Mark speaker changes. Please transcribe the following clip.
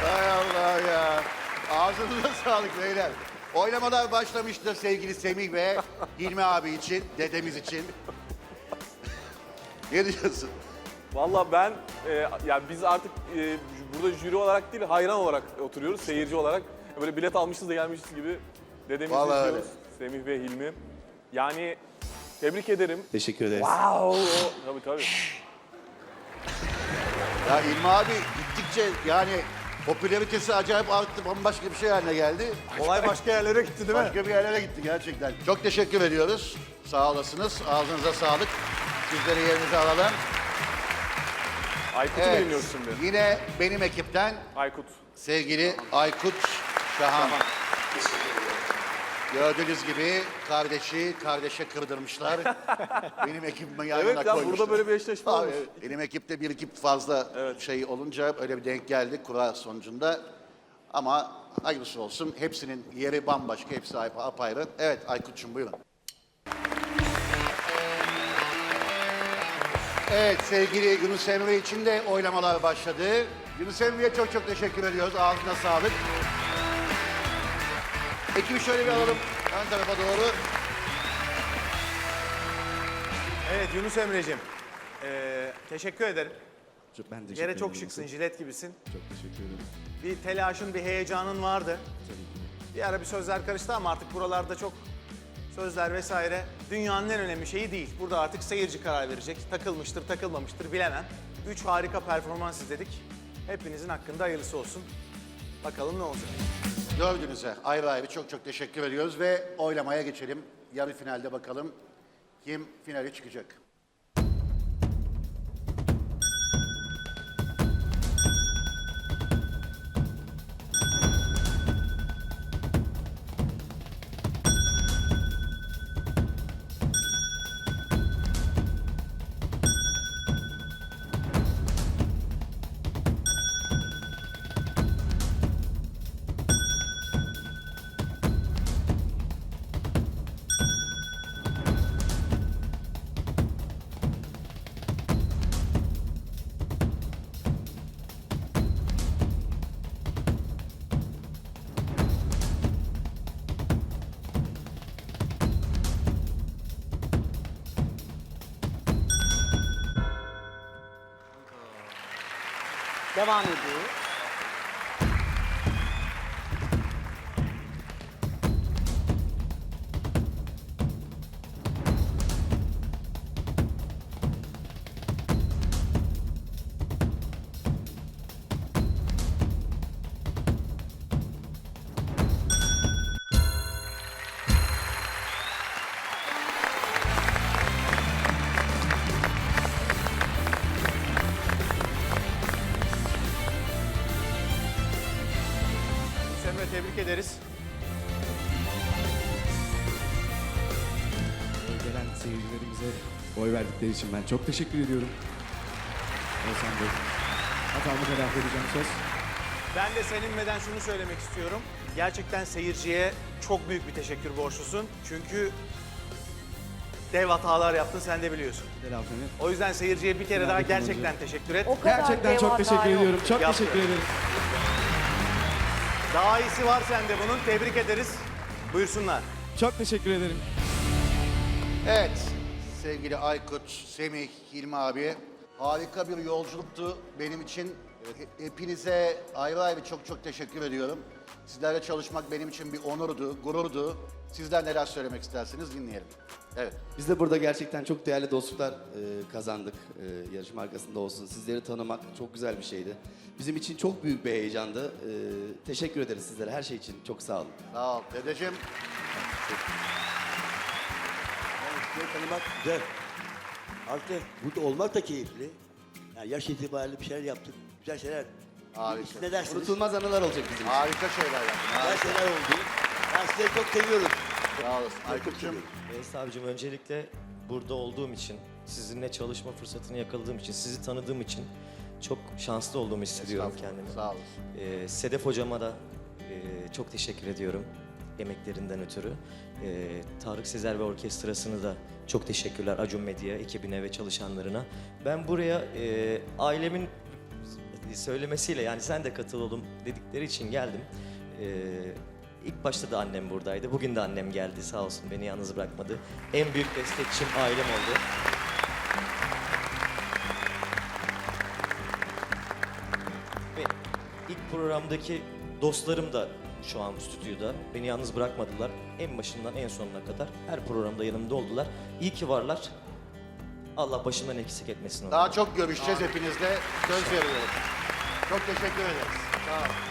Speaker 1: Hay Allah ya. Ağzınıza sağlık beyler. Oynamalar başlamıştır sevgili Semih ve Hilmi abi için, dedemiz için. Ne diyorsun?
Speaker 2: Valla ben, yani biz artık burada jüri olarak değil, hayran olarak oturuyoruz, seyirci olarak. Böyle bilet almışız da gelmişiz gibi dedemizi
Speaker 1: Vallahi
Speaker 2: izliyoruz. Semih ve Hilmi. Yani tebrik ederim.
Speaker 3: Teşekkür ederiz.
Speaker 2: Wow! Tabii.
Speaker 1: Ya Hilmi abi gittikçe yani popülaritesi acayip arttı, bambaşka bir şey haline geldi.
Speaker 4: Olay başka yerlere gitti değil mi?
Speaker 1: Başka bir yerlere gitti gerçekten. Çok teşekkür ediyoruz. Sağ olasınız. Ağzınıza sağlık. Sizleri yerinize alalım.
Speaker 2: Aykut'u
Speaker 1: Evet.
Speaker 2: dinliyoruz şimdi.
Speaker 1: Yine benim ekipten
Speaker 2: Aykut.
Speaker 1: sevgili Aykut Şahan. Gördüğünüz gibi kardeşe kırdırmışlar. Benim ekibime yan
Speaker 2: Evet
Speaker 1: yana
Speaker 2: ya,
Speaker 1: koymuşlar.
Speaker 2: burada böyle bir eşleşme
Speaker 1: Abi,
Speaker 2: olmuş.
Speaker 1: benim ekipte bir ekip fazla şey olunca öyle bir denk geldi kura sonucunda. Ama hayırlısı olsun. Hepsinin yeri bambaşka, hepsi apayrı. Evet Aykut'cum buyurun. Evet sevgili Yunus Emre için de oylamalar başladı. Yunus Emre'ye çok çok teşekkür ediyoruz. Ağzına sağlık. Ekibi şöyle bir alalım ön tarafa doğru.
Speaker 4: Evet Yunus Emre'cim. Teşekkür ederim.
Speaker 3: Ben teşekkür
Speaker 4: Yere çok
Speaker 3: ederim.
Speaker 4: şıksın, jilet gibisin.
Speaker 3: Çok teşekkür ederim.
Speaker 4: Bir telaşın, bir heyecanın vardı. Bir ara bir sözler karıştı ama artık buralarda çok sözler vesaire dünyanın en önemli şeyi değil. Burada artık seyirci karar verecek. Takılmıştır, takılmamıştır bilemem. 3 harika performans izledik. Hepinizin hakkında hayırlısı olsun. Bakalım ne olacak.
Speaker 1: Dördünüze ayrı ayrı çok çok teşekkür ediyoruz ve oylamaya geçelim. Yarı finalde bakalım kim finale çıkacak.
Speaker 5: Devam ediyor.
Speaker 4: Yunus Emre tebrik ederiz.
Speaker 3: Gelen seyircilerimize oy verdikleri için ben çok teşekkür ediyorum. Oğuzhan Bey. Hatamı telafi edeceğim söz.
Speaker 4: Ben de seninmeden şunu söylemek istiyorum. Gerçekten seyirciye çok büyük bir teşekkür borçlusun. Çünkü dev hatalar yaptın, sen de biliyorsun.
Speaker 3: Telafimi.
Speaker 4: O yüzden seyirciye bir kere daha gerçekten teşekkür et.
Speaker 5: O kadar
Speaker 3: Gerçekten
Speaker 5: dev
Speaker 3: çok
Speaker 5: hata
Speaker 3: teşekkür
Speaker 5: yok.
Speaker 3: ediyorum. Çok
Speaker 4: Yaptı.
Speaker 3: teşekkür ederim.
Speaker 4: Daha iyisi var sende bunun. Tebrik ederiz. Buyursunlar.
Speaker 3: Çok teşekkür ederim.
Speaker 1: Evet sevgili Aykut, Semih, Hilmi abi harika bir yolculuktu benim için. Hepinize ayrı ayrı çok çok teşekkür ediyorum. Sizlerle çalışmak benim için bir onurdu, gururdu. Sizler neler söylemek isterseniz dinleyelim. Evet.
Speaker 3: Biz de burada gerçekten çok değerli dostluklar kazandık. Yarışma arkasında olsun. Sizleri tanımak çok güzel bir şeydi. Bizim için çok büyük bir heyecandı. Teşekkür ederiz sizlere her şey için. Çok sağ olun.
Speaker 1: Sağ ol dedeciğim.
Speaker 6: Sizleri tanımak güzel. Artı burada olmak da keyifli. Yani yaş itibariyle bir şeyler yaptık. Güzel şeyler.
Speaker 1: Harika.
Speaker 6: Siz ne dersiniz?
Speaker 3: Unutulmaz anılar olacak bizim için.
Speaker 1: Harika şeyler yaptın.
Speaker 6: Güzel
Speaker 1: Harika.
Speaker 6: şeyler oldu. Ben sizleri çok seviyorum.
Speaker 1: Sağ olasın. Aykut'cum.
Speaker 7: Enes abicim öncelikle burada olduğum için, sizinle çalışma fırsatını yakaladığım için, sizi tanıdığım için çok şanslı olduğumu hissediyorum kendimi.
Speaker 1: Sağ olasın.
Speaker 7: Sedef hocama da çok teşekkür ediyorum emeklerinden ötürü. Tarık Sezer ve orkestrasını da çok teşekkürler Acun Medya ekibine ve çalışanlarına. Ben buraya ailemin söylemesiyle, yani sen de katıl oğlum dedikleri için geldim. İlk başta da annem buradaydı. Bugün de annem geldi, sağ olsun, beni yalnız bırakmadı. En büyük destekçim ailem oldu. Ve ilk programdaki dostlarım da şu an stüdyoda. Beni yalnız bırakmadılar. En başından en sonuna kadar her programda yanımda oldular. İyi ki varlar. Allah başımdan eksik etmesin onları.
Speaker 1: Daha çok görüşeceğiz hepinizle. Söz veriyorum. Çok teşekkür ederiz. Sağ olun.